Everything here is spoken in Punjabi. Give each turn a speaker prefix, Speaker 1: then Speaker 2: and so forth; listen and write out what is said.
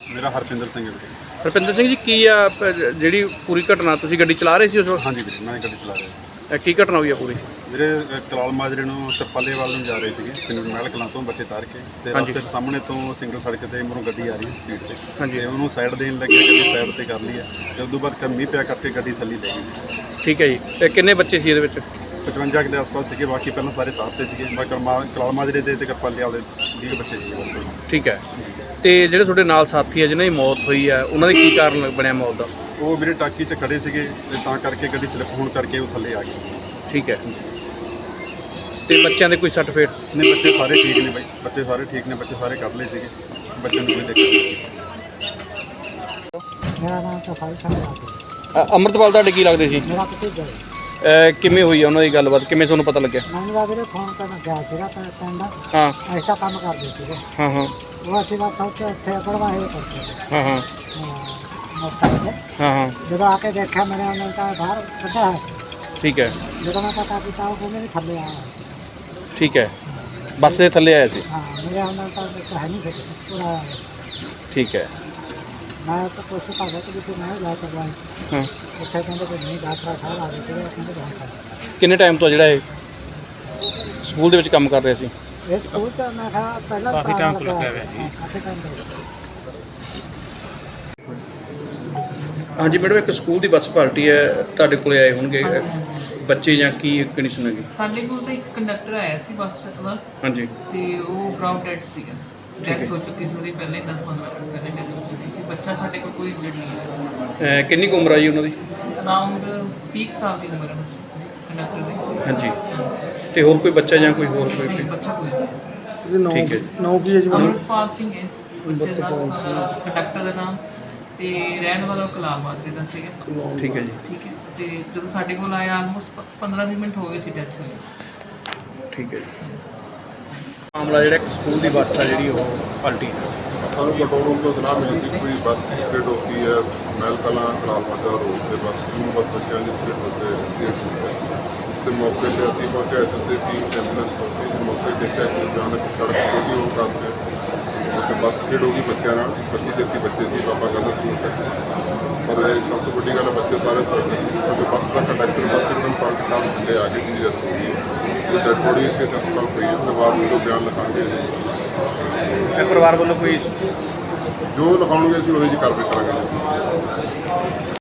Speaker 1: ਮੇਰਾ ਹਰਪਿੰਦਰ ਸਿੰਘ ਹੈ ਵੀਰੇ।
Speaker 2: ਹਰਪਿੰਦਰ ਸਿੰਘ ਜੀ, ਕੀ ਆ ਜਿਹੜੀ ਪੂਰੀ ਘਟਨਾ, ਤੁਸੀਂ ਗੱਡੀ ਚਲਾ ਰਹੇ ਸੀ ਉਸ ਵਕਤ?
Speaker 1: ਹਾਂਜੀ ਵੀਰੇ, ਮੈਂ ਗੱਡੀ ਚਲਾ ਰਿਹਾ।
Speaker 2: ਕੀ ਘਟਨਾ ਹੋਈ ਆ ਪੂਰੀ?
Speaker 1: ਵੀਰੇ ਕਲਾਲ ਮਾਜਰੇ ਨੂੰ ਤਰਪਾਲੇ ਵੱਲ ਨੂੰ ਜਾ ਰਹੇ ਸੀਗੇ, ਪਿੰਡ ਮਹਿਲ ਕਲਾਂ ਤੋਂ ਬੱਚੇ ਤਾਰ ਕੇ, ਤੇ ਰਸਤੇ ਸਾਹਮਣੇ ਤੋਂ ਸਿੰਗਲ ਸੜਕ ਤੇ ਮੂਹਰੋਂ ਗੱਡੀ ਆ ਰਹੀ ਸਪੀਡ ਤੇ।
Speaker 2: ਹਾਂਜੀ।
Speaker 1: ਤੇ ਉਹਨੂੰ ਸਾਈਡ ਦੇਣ ਲੱਗੇ, ਗੱਡੀ ਸਾਈਡ ਤੇ ਕਰ ਲਈ ਹੈ, ਤੇ ਉਸ ਤੋਂ ਬਾਅਦ ਮੀਂਹ ਪਿਆ ਕਰਕੇ ਗੱਡੀ ਥੱਲੇ ਲੈ ਗਈ।
Speaker 2: ਠੀਕ ਹੈ ਜੀ। ਤੇ ਕਿੰਨੇ ਬੱਚੇ ਸੀ ਇਹਦੇ ਵਿੱਚ?
Speaker 1: 55 ਦੇ ਆਸ-ਪਾਸ ਸੀਗੇ, ਬਾਕੀ ਪਹਿਲਾਂ ਸਾਰੇ ਤਾਰ ਤੇ ਸੀਗੇ। ਬਾਕੀ ਕਲਾਲ ਮਾਜਰੇ ਦੇ ਤੇ ਤਰਪਾਲੇ ਵਾਲੇ 20 ਬੱਚੇ ਸੀਗੇ।
Speaker 2: ਠੀਕ ਹੈ। ਤੇ ਜਿਹੜੇ ਤੁਹਾਡੇ ਨਾਲ ਸਾਥੀ ਆ ਜਿਨ੍ਹਾਂ ਦੀ ਮੌਤ ਹੋਈ ਆ, ਉਹਨਾਂ ਦੇ ਕੀ ਕਾਰਨ ਬਣਿਆ ਮੌਤ ਦਾ?
Speaker 1: ਉਹ ਵੀਰੇ ਟਾਕੀ 'ਚ ਖੜੇ ਸੀਗੇ, ਤੇ ਤਾਂ ਕਰਕੇ ਗੱਡੀ ਸਲਿੱਪ ਹੋਣ ਕਰਕੇ ਉਹ ਥੱਲੇ ਆ ਗਈ।
Speaker 2: ਠੀਕ ਹੈ। ਤੇ ਬੱਚਿਆਂ ਦੇ ਕੋਈ ਸੱਟ ਫੇਟ?
Speaker 1: ਨਹੀਂ, ਬੱਚੇ ਸਾਰੇ ਠੀਕ ਨੇ ਬਾਈ, ਬੱਚੇ ਸਾਰੇ ਠੀਕ ਨੇ, ਬੱਚੇ ਸਾਰੇ ਕੱਢ ਲਏ ਸੀਗੇ, ਬੱਚਿਆਂ ਨੂੰ ਕੋਈ ਦਿੱਕਤ ਨਹੀਂ।
Speaker 3: ਮੇਰਾ ਨਾਮ ਤਾਂ ਸਾਰੀ ਸਾਡਾ
Speaker 2: ਅੰਮ੍ਰਿਤਪਾਲ ਤੁਹਾਡੇ ਕੀ ਲੱਗਦੇ ਸੀ?
Speaker 3: ਮੇਰਾ ਭਤੀਜਾ ਹੈ।
Speaker 2: ਕਿਵੇਂ ਹੋਈ ਆ ਉਹਨਾਂ ਦੀ ਗੱਲਬਾਤ, ਕਿਵੇਂ ਤੁਹਾਨੂੰ ਪਤਾ ਲੱਗਿਆ?
Speaker 3: ਮੈਨੂੰ ਤਾਂ ਵੀਰੇ ਫੋਨ ਕਰਨ ਗਿਆ ਸੀਗਾ ਪਿੰਡ,
Speaker 2: ਹਾਂ
Speaker 3: ਐਸਾ ਕੰਮ ਕਰਦੇ ਸੀਗੇ।
Speaker 2: ਹਾਂ ਹਾਂ
Speaker 3: ਉਹ ਅਸੀਂ ਬਸ ਉੱਥੇ ਪੜਵਾਏ ਕਰਦੇ ਸੀ
Speaker 2: ਹਾਂ ਹਾਂ
Speaker 3: ਮੋਟਰਸਾਈਕਲ ਤੇ।
Speaker 2: ਹਾਂ ਹਾਂ।
Speaker 3: ਜਦੋਂ ਆ ਕੇ ਦੇਖਿਆ ਮੇਰੇ ਉਹਨਾਂ ਤਾਂ ਬਾਹਰ ਕੱਢਿਆ ਹੋਇਆ ਸੀ।
Speaker 2: ਠੀਕ ਹੈ।
Speaker 3: ਜਦੋਂ ਮੈਂ ਪਤਾ ਕੀਤਾ ਉਹ ਕਹਿੰਦੇ ਵੀ ਥੱਲੇ ਆਇਆ ਹੋਇਆ ਸੀ।
Speaker 2: ਠੀਕ ਹੈ। ਬੱਸ ਦੇ ਥੱਲੇ ਆਇਆ ਸੀ?
Speaker 3: ਹਾਂ, ਮੇਰੇ ਉਹਨਾਂ ਤਾਂ ਹੈ ਨਹੀਂ ਸੀ ਪੂਰਾ।
Speaker 2: ਠੀਕ ਹੈ।
Speaker 3: ਮੈਂ ਤਾਂ ਕੋਸ਼ਿਸ਼ ਕਰ ਰਿਹਾ ਕਿ ਵੀ ਮੈਂ ਲੈ ਕੇ ਜਾਵਾਂ।
Speaker 2: ਹਾਂ।
Speaker 3: ਉੱਥੇ ਕਹਿੰਦੇ ਕਿ ਨਹੀਂ, ਡਾਕਟਰ ਸਾਹਿਬ ਆ ਗਏ ਸੀ, ਉਹ ਕਹਿੰਦੇ ਬਹੁਤ
Speaker 2: ਕਿੰਨੇ ਟਾਈਮ ਤੋਂ ਜਿਹੜਾ ਇਹ ਸਕੂਲ ਦੇ ਵਿੱਚ ਕੰਮ ਕਰ ਰਿਹਾ ਸੀ?
Speaker 3: ਇਹ ਸਕੂਲ ਚ ਮੈਂ ਕਿਹਾ ਪਹਿਲਾਂ ਕਾਫੀ ਟਾਈਮ ਤੋਂ ਲੱਗਿਆ ਹੋਇਆ ਜੀ। ਕਾਫੀ ਟਾਈਮ ਤੋਂ।
Speaker 2: ਹਾਂਜੀ ਮੈਡਮ, ਇੱਕ ਸਕੂਲ ਦੀ ਬੱਸ ਪਾਰਟੀ ਹੈ, ਤੁਹਾਡੇ ਕੋਲੇ ਆਏ ਹੋਣਗੇ ਬੱਚੇ ਜਾਂ ਕੀ ਕੰਡੀਸ਼ਨ ਹੈਗੀ?
Speaker 4: ਸਾਡੇ ਕੋਲ ਤਾਂ ਇੱਕ ਕੰਡਕਟਰ ਆਇਆ ਸੀ ਬੱਸ ਦਾ।
Speaker 2: ਹਾਂਜੀ।
Speaker 4: ਤੇ ਉਹ ਗਰਾਊਂਡ ਡੈਡ ਸੀਗਾ, ਡੈਥ ਹੋ ਚੁੱਕੀ ਸੀ ਉਹਦੀ ਪਹਿਲੇ 10-15 ਮਿੰਟ ਪਹਿਲੇ ਡੈਥ ਹੋ ਚੁੱਕੀ ਸੀ। ਬੱਚਾ ਸਾਡੇ ਕੋਲ ਕੋਈ ਇੰਜਰਡ ਨਹੀਂ ਹੈ।
Speaker 2: ਕਿੰਨੀ ਕੁ ਉਮਰ ਆ ਜੀ ਉਹਨਾਂ ਦੀ?
Speaker 4: ਅਰਾਊਂਡ 30 ਸਾਲ ਦੀ ਉਮਰ ਹੈ ਕੰਡਕਟਰ ਦੀ।
Speaker 2: ਹਾਂਜੀ। ਤੇ ਹੋਰ ਕੋਈ ਬੱਚਾ ਜਾਂ ਕੋਈ ਹੋਰ ਕੋਈ?
Speaker 4: ਨਹੀਂ, ਬੱਚਾ ਕੋਈ ਨਹੀਂ।
Speaker 2: ਠੀਕ ਹੈ।
Speaker 3: ਨੌ ਕੀ ਹੈ ਜੀ?
Speaker 4: ਅੰਮ੍ਰਿਤਪਾਲ ਸਿੰਘ ਹੈ ਬੱਚੇ ਦਾ ਕੰਡਕਟਰ ਦਾ ਨਾਮ, ਤੇ ਰਹਿਣ ਵਾਲਾ ਕਲਾਲ ਮਾਜਰੇ ਦਾ ਸੀਗਾ।
Speaker 2: ਠੀਕ ਹੈ ਜੀ।
Speaker 4: ਠੀਕ ਹੈ। ਤੇ ਜਦੋਂ ਸਾਡੇ ਕੋਲ ਆਇਆ ਆਲਮੋਸਟ 15-20 ਮਿੰਟ ਹੋ ਗਏ ਸੀ ਡੈਥ ਹੋਈ।
Speaker 2: ਠੀਕ ਹੈ ਜੀ। ਮਾਮਲਾ ਜਿਹੜਾ ਇੱਕ ਸਕੂਲ ਦੀ ਬੱਸ ਆ ਜਿਹੜੀ ਉਹ ਪਲਟੀ।
Speaker 5: ਸਾਨੂੰ ਕੰਟਰੋਲ ਰੂਮ ਤੋਂ ਇਤਲਾਹ ਮਿਲੀ ਸੀ ਕੋਈ ਬੱਸ ਸਪਿਡ ਹੋਤੀ ਹੈ ਮਹਿਲ ਕਲਾਂ ਕਲਾਲ ਮਾਜਰਾ रोड पे बस स्कूल बस बच्चों की स्पीड होते एक्सीडेंट हुआ है। उसके मौके से असी पहुँचे, एसएसए टीम एम्बुलेंस पहुँची, मौके देखा कि अचानक सड़क छोटी हो करते उसके बस स्पीड होगी बच्चों 25-33 बच्चे से पापा कहता स्कूल तक। पर सब तो बड़ी गल बच्चे सारे सड़क क्योंकि बस का कंडक्टर बस एकदम पलट कर थले आ गई जी डेथ हो गई। डेड बॉडी इसे हस्पताल पई है, उसके बाद जो बयान लिखाएंगे
Speaker 2: ਪਰਿਵਾਰ ਵੱਲੋਂ ਕੋਈ
Speaker 5: जो लिखाओगे अभी वही जी कार्रवाई करेंगे।